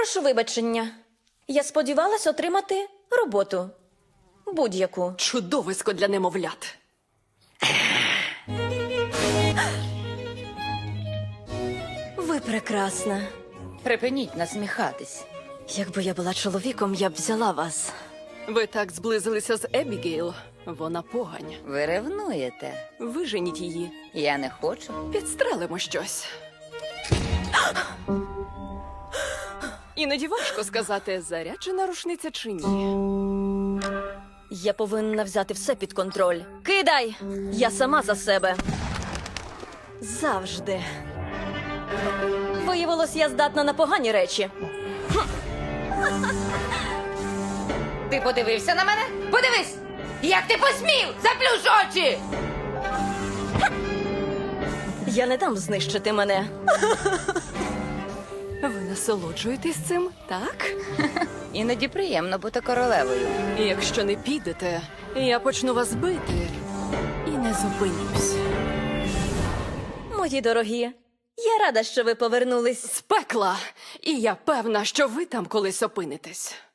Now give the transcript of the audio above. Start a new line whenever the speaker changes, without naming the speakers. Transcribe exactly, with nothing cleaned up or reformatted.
Прошу вибачення. Я сподівалась отримати роботу. Будь-яку.
Чудовисько для немовлят.
Ви прекрасна.
Припиніть насміхатись.
Якби я була чоловіком, я б взяла вас.
Ви так зблизилися з Ебігейл. Вона погань.
Ви ревнуєте.
Виженіть її.
Я не хочу.
Підстрелимо щось. Іноді важко сказати, заряджена рушниця чи ні.
Я повинна взяти все під контроль. Кидай! Я сама за себе. Завжди. Виявилось, я здатна на погані речі.
Ти подивився на мене? Подивись! Як ти посмів? Заплющ очі!
Я не дам знищити мене.
Ви насолоджуєтесь цим, так?
Іноді приємно бути королевою.
І якщо не підете, я почну вас бити і не зупинюсь.
Мої дорогі, я рада, що ви повернулись.
З пекла! І я певна, що ви там колись опинитесь.